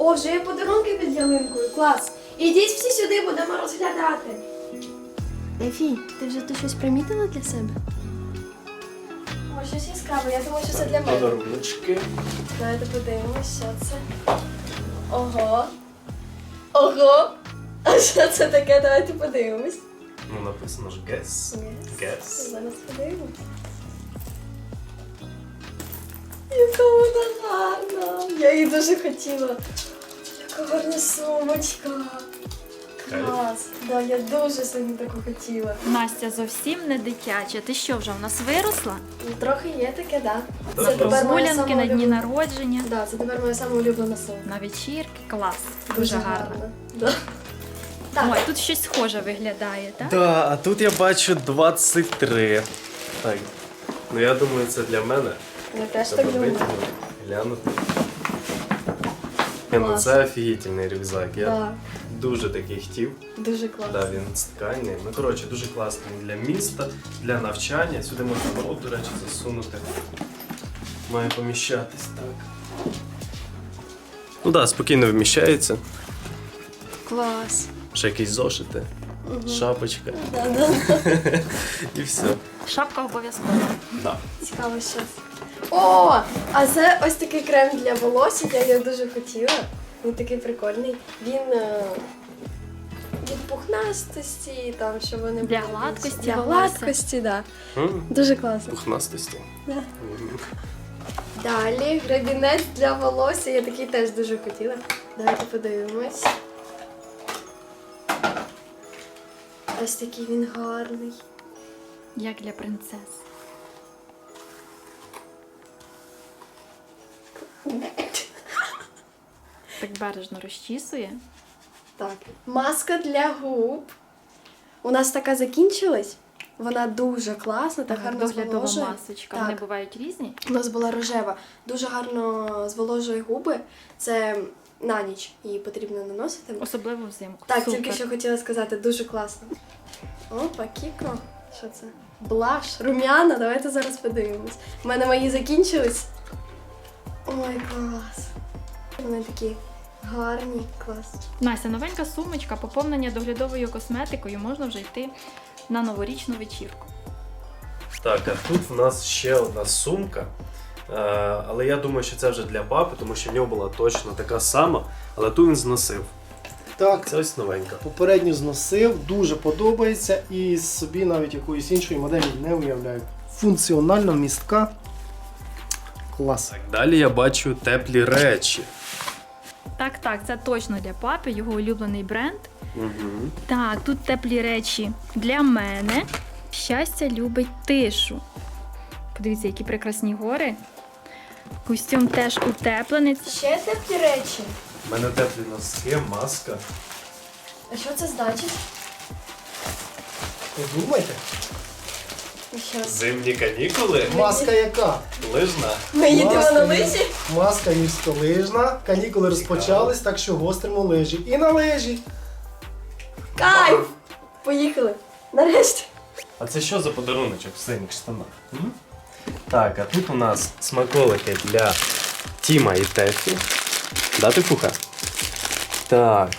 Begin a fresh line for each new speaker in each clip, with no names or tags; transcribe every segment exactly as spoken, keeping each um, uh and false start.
О, вже є подарунки під ялинкою, клас. Ідіть всі сюди, будемо розглядати. Ефі, ти вже тут щось примітила для себе? О, щось яскраве, я думаю, що це для мене.
Подаруночки.
Давайте подивимось, що це. Ого. Ого. А що це таке? Давайте подивимось.
Ну, написано ж guess.
Yes.
Guess.
Зараз подивимось. Яка вона гарна. Я її дуже хотіла. Яка гарна сумочка. Клас. Да, я дуже сильно таку хотіла.
Настя зовсім не дитяча. Ти що, вже у нас виросла?
Ну, трохи є таке, да.
Да,
Це
да.
тепер моя
Гулянки
сама
на дні
улюблена.
народження,
Да, це тепер моя сама улюблена сумка.
на вечірки. Клас. Дуже гарно.
Да. Так.
Ой, тут щось схоже виглядає, так?
Да, а тут я бачу двадцять три. Так. Ну я думаю, це для мене.
Я теж так
Треба
думаю.
витягнути, глянути. Ні, ну
Клас.
це офігітельний рюкзак. Я
Да.
дуже такий хотів.
Дуже класно.
Да, він з ткані. Ну, коротше, дуже класний для міста, для навчання. Сюди можна ноут, до речі, засунути. Має поміщатись так. Ну так, да, спокійно вміщається.
Клас.
Ще якісь зошити, шапочка
Да, да.
і все.
Шапка обов'язково.
Да.
Цікаво, що це. О, а це ось такий крем для волосся, я його дуже хотіла. Він такий прикольний. Він е, від пухнастості, там, щоб вони
Для
були
гладкості
більш- Для
волосся.
гладкості, так. Да.
М,
Дуже класно.
Пухнастості.
Да.
М.
Далі гребінець для волосся, я такий теж дуже хотіла. Давайте подивимось. Ось такий він гарний.
Як для принцес. Так бережно розчісує.
Так, маска для губ. У нас така закінчилась. Вона дуже класна, так гарно
Доглядова
зволожує.
масочка.
Так.
Вони бувають різні.
У нас була рожева. Дуже гарно зволожує губи. Це на ніч її потрібно наносити.
Особливо взимку.
Так,
Супер.
тільки що хотіла сказати, дуже класно. Опа, Кіко. Що це? Блаш, рум'яна, давайте зараз подивимось. У мене мої закінчились. Ой, клас. Вони такі гарні, клас.
Настя, новенька сумочка, поповнення доглядовою косметикою, можна вже йти на новорічну вечірку.
Так, а тут в нас ще одна сумка. Е, але я думаю, що це вже для папи, тому що в нього була точно така сама, але ту він зносив.
Так,
Це ось новенька.
попередньо зносив, дуже подобається і собі навіть якоїсь іншої моделі не уявляю. Функціонально містка. Клас.
Так, далі я бачу теплі речі.
Так, так, це точно для папи, його улюблений бренд.
Угу.
Так, тут теплі речі для мене. Щастя любить тишу. Подивіться, які прекрасні гори. Костюм теж утеплений.
Ще теплі речі.
У мене теплі носки, маска.
А що це значить?
Подумайте,
Щас.
Зимні канікули.
маска яка?
Лижна.
Ми їдемо
Маска
на
є-
лижі?
Маска гірськолижна, канікули розпочались, так що гостримо лижі. І на лижі.
Кайф! Поїхали. Нарешті.
А це що за подаруночок в синіх штанах? М? Так, а тут у нас смаколики для Тіма і Тефі. Да, Тефуха? Так.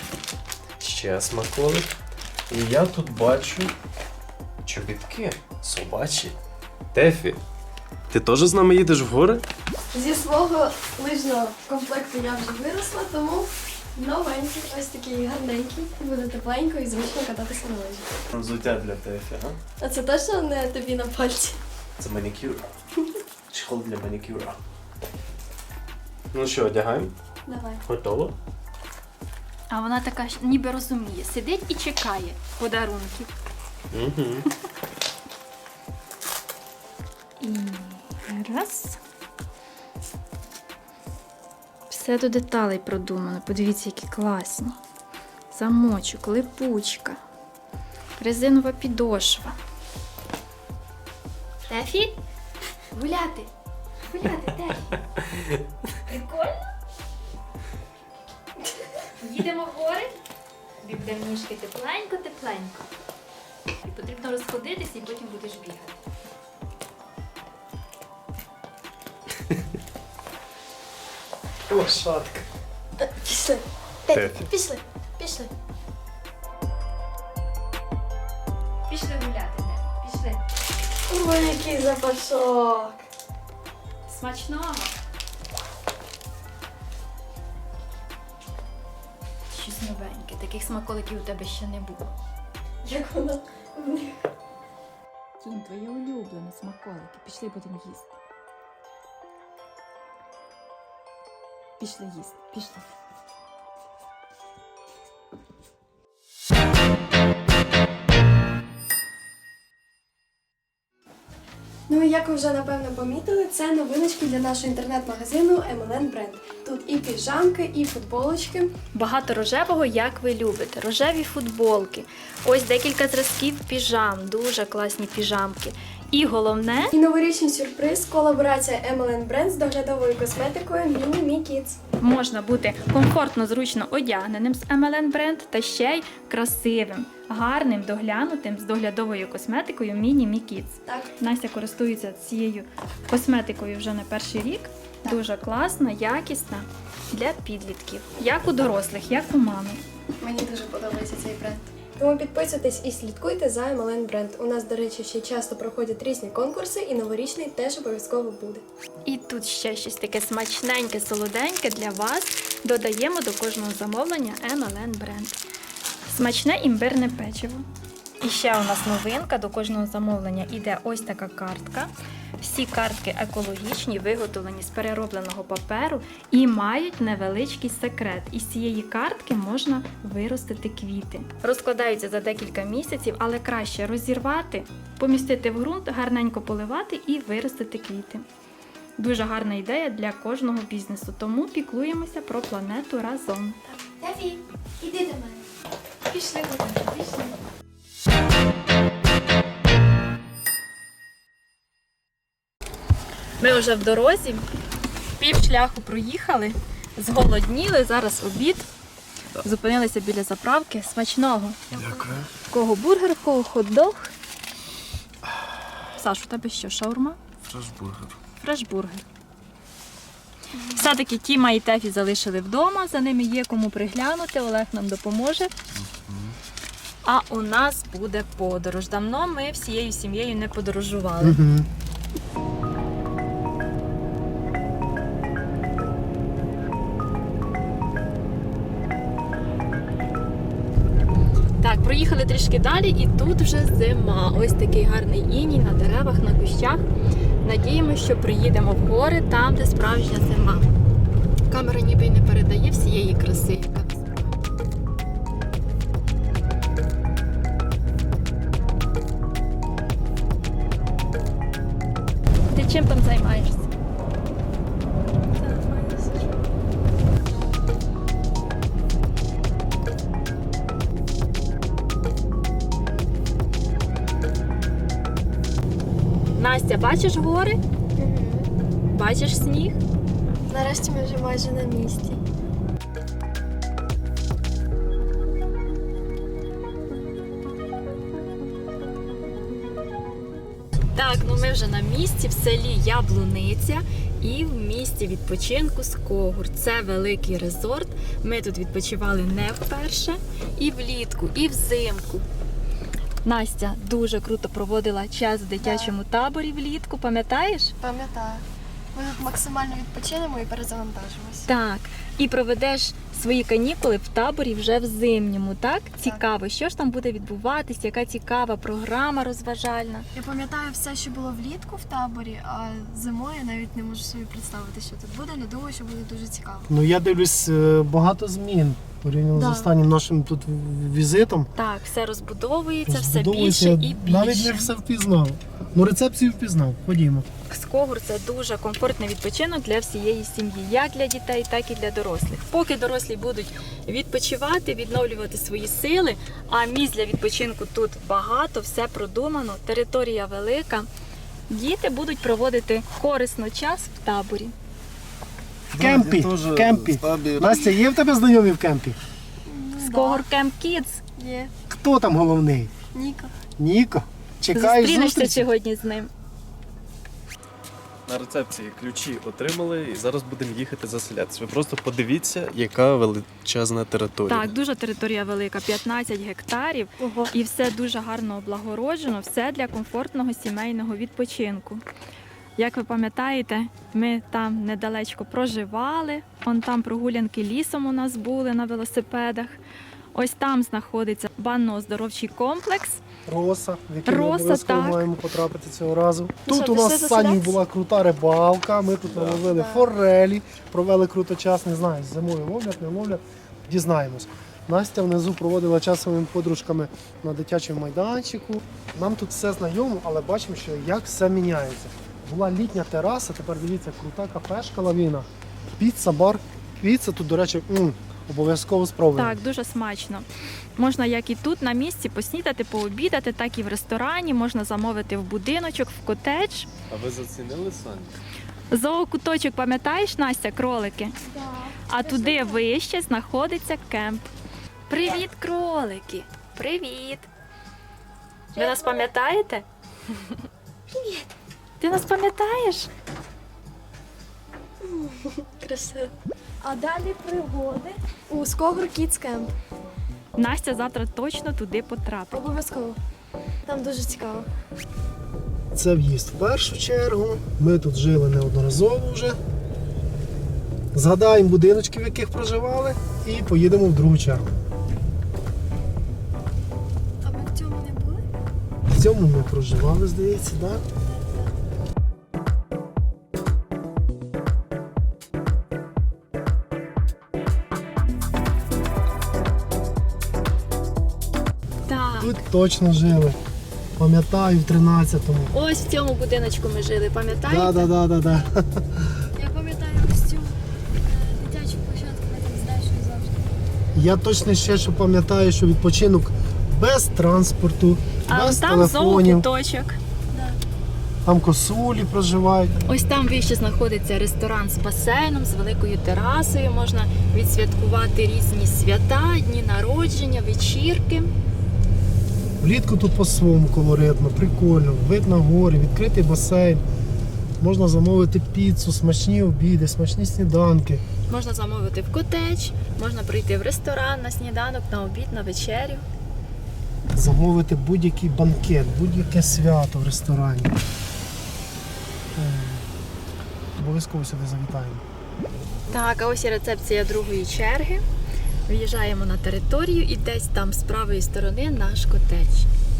Ще смаколик. І я тут бачу чобітки собачі. Тефі, ти теж з нами їдеш в гори?
Зі свого лижного комплекту я вже виросла, тому новенький, ось такий гарненький. Буде тепленько і зручно кататися на лижі.
Взуття для Тефі, а?
А це точно не тобі на пальці?
Це манікюр. Чехол для манікюра. Ну що, одягаємо?
Давай.
Готово?
А вона така ж ніби розуміє, сидить і чекає подарунків.
Угу.
І раз. Все до деталей продумано. Подивіться, які класні. Замочок, липучка, резинова підошва. Тефі? Гуляти. Гуляти, Тефі. Прикольно? Їдемо в гори. Тобі буде в ніжки тепленько-тепленько. І потрібно розходитися, і потім будеш бігати.
Лошадка.
Е, Пішли.
Тефі.
Тефі, пішли. Пішли.
Пішли гуляти, не? Пішли.
Ой, який запашок.
Смачного. Щось новеньке. Таких смаколиків у тебе ще не було.
Як воно в них.
Кінь, твоє улюблене смаколики. Пішли будемо їсти. Пішли їсти, пішли.
Ну і як ви вже напевно помітили, це новиночки для нашого інтернет-магазину ем ел ен Brand. Тут і піжамки, і футболочки.
Багато рожевого, як ви любите. Рожеві футболки. Ось декілька зразків піжам. Дуже класні піжамки. І головне,
І новорічний сюрприз – колаборація ем ел ен Brand з доглядовою косметикою Mini Me Kids.
можна бути комфортно, зручно одягненим з ем ел ен Brand та ще й красивим, гарним, доглянутим з доглядовою косметикою Mini Me Kids.
Так.
Настя користується цією косметикою вже не перший рік. Дуже класна, якісна для підлітків. Як у дорослих, як у мами.
Мені дуже подобається цей бренд. Тому підписуйтесь і слідкуйте за ем ел ен Brand. У нас, до речі, ще часто проходять різні конкурси, і новорічний теж обов'язково буде.
І тут ще щось таке смачненьке, солоденьке для вас додаємо до кожного замовлення ем ел ен Brand. Смачне імбирне печиво. І ще у нас новинка, до кожного замовлення іде ось така картка. Всі картки екологічні, виготовлені з переробленого паперу і мають невеличкий секрет. Із цієї картки можна виростити квіти. Розкладаються за декілька місяців, але краще розірвати, помістити в ґрунт, гарненько поливати і виростити квіти. Дуже гарна ідея для кожного бізнесу, тому піклуємося про планету разом.
Тефі, іди до мене. Пішли, пішли.
Ми вже в дорозі, пів шляху проїхали, зголодніли, зараз обід. Зупинилися біля заправки. Смачного.
Дякую.
В кого бургер, в кого хот-дог. Саш, у тебе що, шаурма?
Фрешбургер.
Фрешбургер. Все-таки Тіма і Тефі залишили вдома, за ними є кому приглянути, Олег нам допоможе. А у нас буде подорож. Давно ми всією сім'єю не подорожували.
Угу.
Так, проїхали трішки далі і тут вже зима. Ось такий гарний іній на деревах, на кущах. Надіємося, що приїдемо в гори, там, де справжня зима. Камера ніби й не передає всієї краси, яка насправді. Ти чим там займаєшся? Настя, бачиш гори? Бачиш сніг?
Нарешті ми вже майже на місці.
Так, ну ми вже на місці, в селі Яблуниця і в місті відпочинку Скогур. Це великий резорт. Ми тут відпочивали не вперше. І влітку, і взимку. Настя дуже круто проводила час в дитячому таборі влітку, пам'ятаєш?
Пам'ятаю. Ми тут максимально відпочинемо і перезавантажимось.
Так. І проведеш свої канікули в таборі вже в зимньому, так? Цікаво, що ж там буде відбуватись, яка цікава програма розважальна.
Я пам'ятаю все, що було влітку в таборі, а зимою я навіть не можу собі представити, що тут буде, але думаю, що буде дуже цікаво.
Ну я дивлюсь, е, багато змін порівняно
Да.
з останнім нашим тут візитом.
Так, все розбудовується, все
Розбудовується,
більше і більше.
навіть не все впізнав. Ну рецепцію впізнав. Ходімо.
Скогур – це дуже комфортний відпочинок для всієї сім'ї, як для дітей, так і для дорослих. Поки дорослі будуть відпочивати, відновлювати свої сили, а місць для відпочинку тут багато, все продумано, територія велика. Діти будуть проводити корисно час в таборі.
В кемпі. В кемпі. Настя, є в тебе знайомі в кемпі?
Скогур Camp Kids.
Є.
Хто там головний?
Ніко.
Ніко. Чекаєш
Зустрінешся
зустрічі?
сьогодні з ним.
на рецепції ключі отримали і зараз будемо їхати заселятися. Ви просто подивіться, яка величезна територія.
Так, дуже територія велика, п'ятнадцять гектарів.
Ого.
І все дуже гарно облагороджено, все для комфортного сімейного відпочинку. Як ви пам'ятаєте, ми там недалечко проживали, он там прогулянки лісом у нас були на велосипедах. Ось там знаходиться банно-оздоровчий комплекс.
Роса, в який ми
Роса,
обов'язково
так.
маємо потрапити цього разу.
Ну
Тут
що,
у нас
пішли
з Санєю
заселятися?
була крута рибалка, ми тут наловили
Так.
форелі, провели круто час, не знаю, зимою ловлять, не ловлять, дізнаємось. Настя внизу проводила час своїми подружками на дитячому майданчику. Нам тут все знайомо, але бачимо, що як все міняється. Була літня тераса, тепер дивіться, крута кафешка лавіна, піца, бар. Піца тут, до речі, м, обов'язково спробуємо.
Так, дуже смачно. Можна як і тут на місці поснідати, пообідати, так і в ресторані, можна замовити в будиночок, в котедж.
А ви зацінили Саню?
Зоокуточок, пам'ятаєш, Настя, кролики? А туди вище знаходиться кемп. Привіт, кролики! Привіт! Ви нас пам'ятаєте? Привіт! Ти нас пам'ятаєш?
Красиво. А далі пригоди у Скогур Kids Camp.
Настя завтра точно туди потрапить.
Обов'язково. Там дуже цікаво.
Це в'їзд в першу чергу. Ми тут жили неодноразово вже. Згадаємо будиночки, в яких проживали, і поїдемо в другу чергу.
А ми в цьому не були?
В цьому ми проживали, здається, так? Да?
Так.
Тут точно жили. Пам'ятаю, в тринадцятому.
Ось в цьому будиночку ми жили, пам'ятаєте?
Так, так, так, так.
Я пам'ятаю ось цю дитячу площадку, ми там з Дашою завжди.
Я точно ще що пам'ятаю, що відпочинок без транспорту,
А
без
там
телефонів.
зоокуточок.
Там косулі проживають.
Ось там вище знаходиться ресторан з басейном, з великою терасою. Можна відсвяткувати різні свята, дні народження, вечірки.
Влітку тут по-своєму колоритно, прикольно, вид на гори, відкритий басейн. Можна замовити піцу, смачні обіди, смачні сніданки.
Можна замовити в котедж, можна прийти в ресторан на сніданок, на обід, на вечерю.
Замовити будь-який банкет, будь-яке свято в ресторані. Ем, Обов'язково сюди завітаємо.
Так, а ось і рецепція другої черги. В'їжджаємо на територію і десь там з правої сторони наш котедж.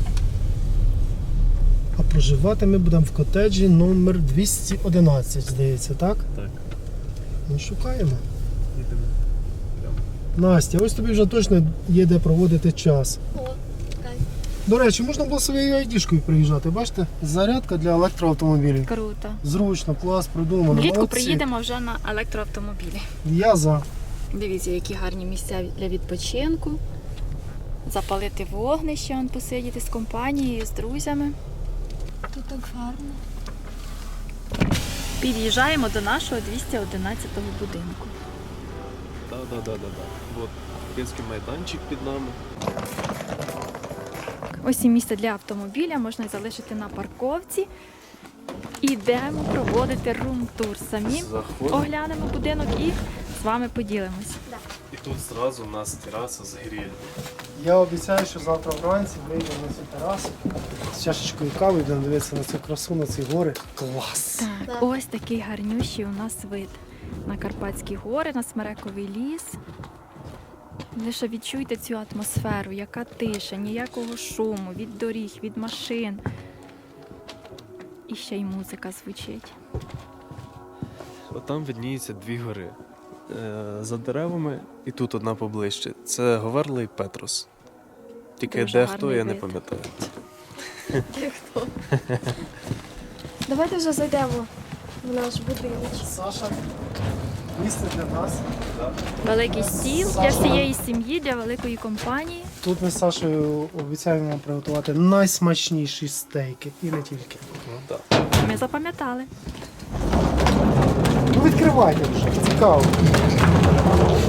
А проживати ми будемо в котеджі номер двісті одинадцять, здається, так?
Так.
Ну, шукаємо.
Їдемо.
Настя, ось тобі вже точно є де проводити час.
О, кайф.
До речі, можна було своєю айдішкою приїжджати, бачите? Зарядка для електроавтомобілів.
Круто.
Зручно, клас, придумано.
Влітку
Молодці.
приїдемо вже на електроавтомобілі.
Я за.
Дивіться, які гарні місця для відпочинку. Запалити вогнище, он посидіти з компанією, з друзями.
Тут так гарно.
Під'їжджаємо до нашого двісті одинадцятого будинку.
Так, так, так, так. От дитячий майданчик під нами.
Ось і місце для автомобіля можна залишити на парковці. Ідемо проводити рум-тур. Самі
Заходимо.
оглянемо будинок і з вами поділимось.
І тут зразу у нас тераса з гриль.
Я обіцяю, що завтра вранці вийдемо на цю терасу з чашечкою кави, будемо дивитися на цю красу, на ці гори. Клас!
Так,
Так.
ось такий гарнющий у нас вид на Карпатські гори, на Смерековий ліс. Лише відчуйте цю атмосферу, яка тиша, ніякого шуму, від доріг, від машин. І ще й музика звучить.
От там видніються дві гори. Е, За деревами і тут одна поближче. Це Говерла і Петрос. Тільки
Дуже
де хто,
гарний
я не
вид.
пам'ятаю.
Ти хто? Давайте вже зайдемо в наш будинок.
Саша, місце для нас.
Великий стіл для всієї сім'ї, для великої компанії.
Тут ми з Сашою обіцяємо вам приготувати найсмачніші стейки і не тільки.
Ну так.
Ми запам'ятали.
Ну відкривайте вже, цікаво.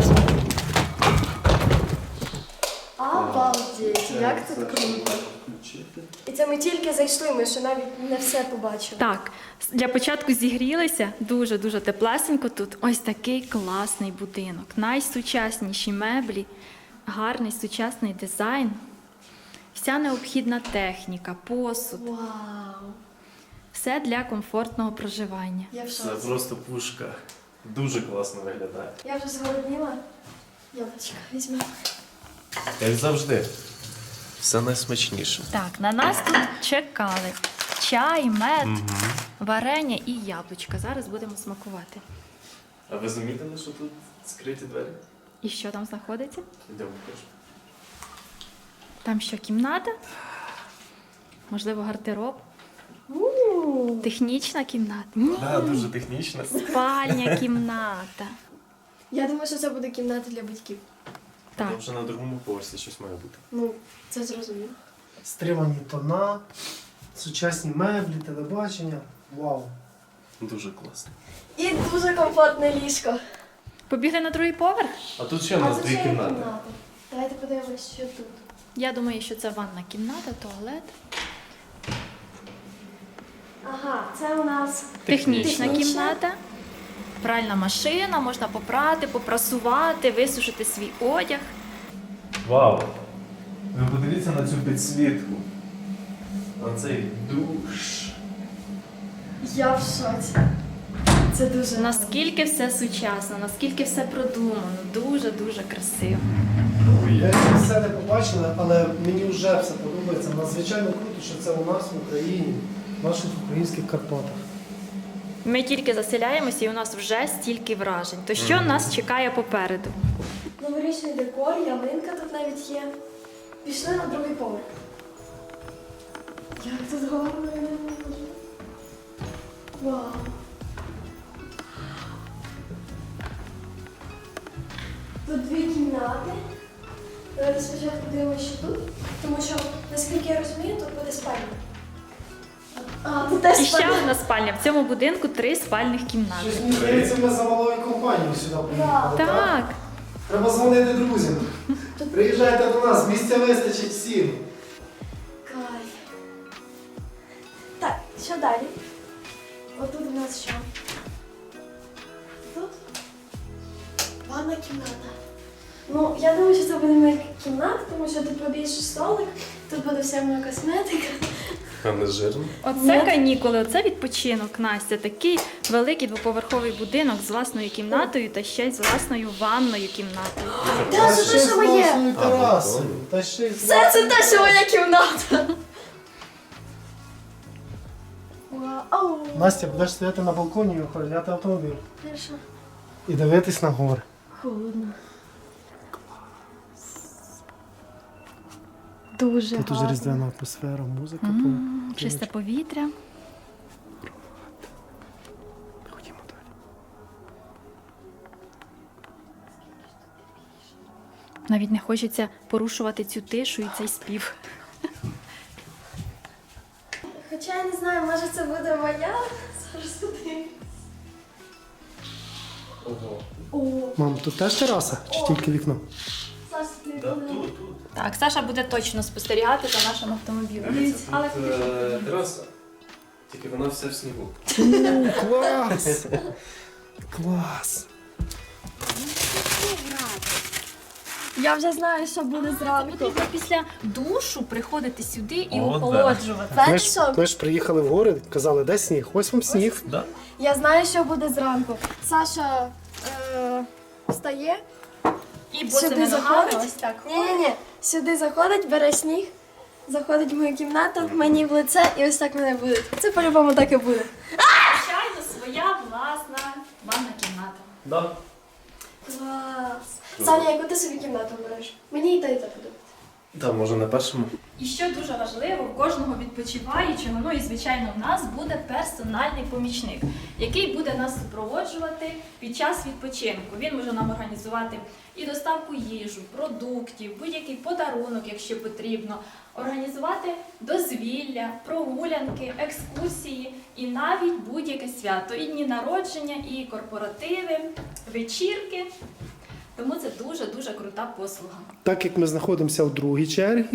Обалдеть, як тут круто.
включити.
І це ми тільки зайшли, ми ще навіть не все побачили.
Так, для початку зігрілися дуже-дуже теплесенько тут. Ось такий класний будинок. Найсучасніші меблі, гарний сучасний дизайн, вся необхідна техніка, посуд.
Вау!
Все для комфортного проживання.
Я в
Це
шоці.
просто пушка. Дуже класно виглядає.
Я вже зголодніла. Яблучко візьмемо.
Як завжди. Все найсмачніше.
Так, на нас тут чекали чай, мед, варення і яблучка. Зараз будемо смакувати.
А ви замітили, що тут скриті двері?
І що там знаходиться?
Йдемо покажу.
Там що, кімната? Можливо, гардероб?
У,
Технічна кімната? Ні,
Да, дуже технічно.
спальня кімната.
Я думаю, що це буде кімната для батьків.
Так,
Там вже на другому поверсі щось має бути.
Ну, це зрозуміло.
Стримані тона, сучасні меблі, телебачення. Вау.
Дуже класно.
І дуже комфортне ліжко.
побігли на другий поверх?
А тут ще у нас
це
дві
ще є
кімнати.
кімната. Давайте подивимось, що тут.
Я думаю, що це ванна кімната, туалет.
Ага, це у нас
Технічна
Технічна.
кімната. Пральна машина, можна попрати, попрасувати, висушити свій одяг.
Вау! Ви подивіться на цю підсвітку. На цей душ.
я в шоці. Це дуже
Наскільки все сучасно, наскільки все продумано, дуже-дуже красиво.
Я ще все не побачила, але мені вже все подобається. Надзвичайно круто, що це у нас в Україні, в наших українських Карпатах.
Ми тільки заселяємося і у нас вже стільки вражень. То що нас чекає попереду?
новорічний декор, ялинка тут навіть є. Пішли на другий поверх. Як тут гарно, я не можу. Вау. Тут дві кімнати. Давайте спочатку дивимося, що тут. Тому що, наскільки я розумію, тут буде спальня. А, тут теж
І ще
спальня.
одна спальня. В цьому будинку три спальних кімнати.
Щось мені здається, ми за малою компанією сюди приїхали.
Так,
Треба дзвонити друзям. Приїжджайте до нас, місця вистачить всім.
Кайф. Так, що далі? Отут у нас що? Тут ванна кімната. Ну, я думаю, що це буде моя кімната, тому що тут побільше столик, тут буде вся моя косметика.
А не жирно?
оце канікули, оце відпочинок, Настя. Такий великий двоповерховий будинок з власною кімнатою та ще й з власною ванною кімнатою.
Та, це те, що моє!
власною терасою.
прикольно.
Та ще й з
Все це те, що моя кімната. Вау.
Настя, будеш стояти на балконі і охороняти автомобіль.
Хорошо.
І дивитись на гори.
Холодно.
Дуже
Тут уже
гарно.
різдвяна атмосфера, музика.
М,
по-
Чисте повітря.
Ходімо далі.
Навіть не хочеться порушувати цю тишу і цей спів.
Хоча я не знаю, може це буде моя. Зараз подивимось.
Ого.
О,
Мам, тут теж тераса? Чи тільки вікно?
Саш, ти
Да,
буде.
тут, тут.
Так, Саша буде точно спостерігати за нашим автомобілем.
Дивіться,
Але
тут е, тераса. Тільки вона вся в снігу.
О, клас! Клас!
Я вже знаю, що буде зранку.
потрібно після душу приходити сюди і
О, да.
охолоджувати.
Ми
Знаєш
ж,
що?
ми ж приїхали в гори, казали, де сніг? Ось вам сніг.
Да?
Я знаю, що буде зранку. Саша е, встає,
І
сюди
босими ногами
заходить.
ось так.
Ні-ні-ні. Сюди заходить, бере сніг, заходить в мою кімнату, мені в лице і ось так мене буде. Це по-любому так і буде.
Звичайно, своя власна ванна кімната.
Да.
Клас. Саня, яку ти собі кімнату береш? Мені і та і та подобається.
Да, може на першому.
І що дуже важливо, в кожного відпочиваючого, ну і звичайно в нас буде персональний помічник, який буде нас супроводжувати під час відпочинку. Він може нам організувати і доставку їжу, продуктів, будь-який подарунок, якщо потрібно, організувати дозвілля, прогулянки, екскурсії і навіть будь-яке свято, і дні народження, і корпоративи, вечірки. Тому це дуже-дуже крута послуга.
Так як ми знаходимося у другій черзі,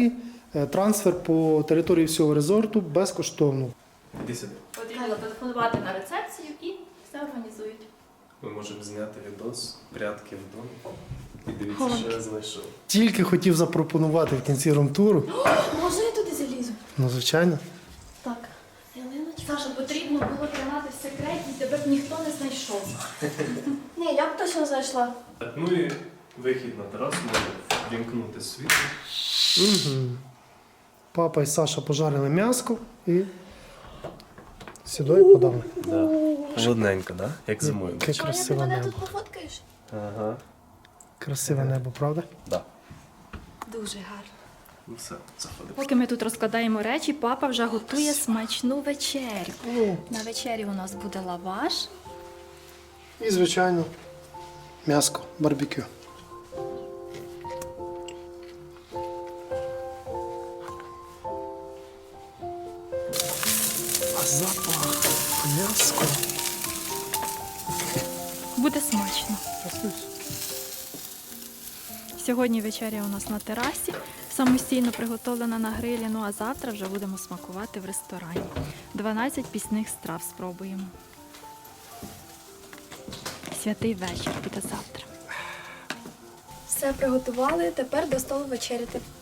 Е, Трансфер по території всього резорту безкоштовно.
Іди сюди.
Потрібно телефонувати на рецепцію і все організують.
Ми можемо зняти відос прятки вдома. І дивіться, що я знайшов.
Тільки хотів запропонувати в кінці румтуру.
Можна я туди залізу?
Ну, звичайно.
Так. Ялиночка.
Саша, потрібно було тримати в секреті, тебе б ніхто не знайшов.
Ні, я б точно зайшла.
Так, ну і вихід на терасу, може вімкнути світло.
Угу. Папа і Саша пожарили м'яско і сюди і подали.
Да. Холодненько, да? Як зимою.
Яке
Чого ти
красиве
мене
небо.
тут пофоткаєш?
Ага.
Красиве небо, правда?
Да.
Дуже гарно.
Ну все, заходимо.
Поки ми тут розкладаємо речі, папа вже готує смачну вечерю.
Ну,
На вечері у нас буде лаваш.
і, звичайно, м'яско, барбекю. А запах м'яско.
Буде смачно. Сьогодні вечеря у нас на терасі, самостійно приготовлена на грилі, ну а завтра вже будемо смакувати в ресторані. дванадцять пісних страв спробуємо. Святий вечір буде завтра.
Все приготували, тепер до столу вечеряти.